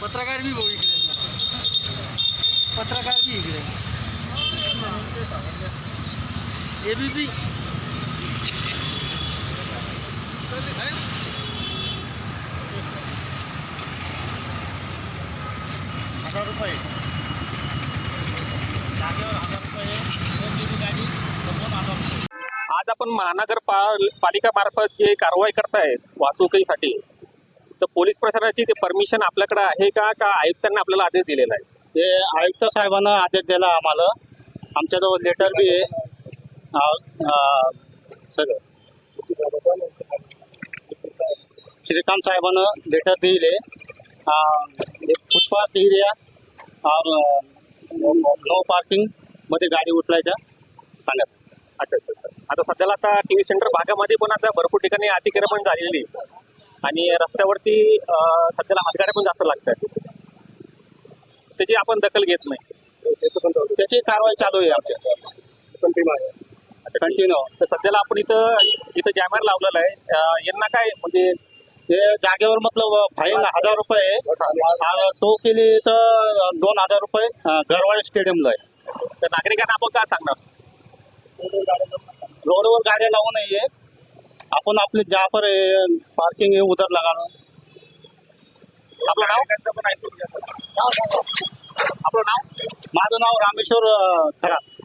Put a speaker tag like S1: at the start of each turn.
S1: पत्रकार भी भाऊ इकडे, पत्रकार भी इकडे, एबीपी
S2: 1000 रुपये जागेवर 1000 रुपये गाडी 2,000
S3: आज आपण महानगरपालिका मार्फत जे कारवाई करतायत वाहतुकीसाठी, तर पोलीस प्रशासनाची ते परमिशन आपल्याकडे आहे का आयुक्तांना आपल्याला आदेश दिलेला आहे?
S2: ते आयुक्त साहेबांना आदेश दिला आम्हाला, आमच्याजवळ लेटर बी आहे सगळं. श्रीकांत साहेबांना लेटर दिले, फुटपाथ एरिया और नो पार्किंग मध्ये गाडी उचलायच्या सांगत.
S3: अच्छा. आता सध्याला आता टीव्ही सेंटर भागामध्ये पण आता भरपूर ठिकाणी अतिक्रमण झालेली आणि रस्त्यावरती सध्याला हातगाड्या पण जास्त लागतात, त्याची आपण दखल घेत नाही.
S2: त्याची कारवाई चालू आहे आमच्या कंटिन्यू.
S3: तर सध्याला आपण इथं जॅमर लावलेलं आहे. यांना काय म्हणजे
S2: हे जागेवर मतलब फाईन 1000 रुपये तो केली तर 2000 रुपये गरवाडे स्टेडियमला आहे.
S3: तर नागरिकांना आपण काय सांगणार?
S2: रोडवर गाड्या लावू नये, आपण आपले ज्या पर पार्किंग आहे उधर लगा लो.
S3: आपलं नाव? आपलं नाव?
S2: माझं नाव रामेश्वर खरात.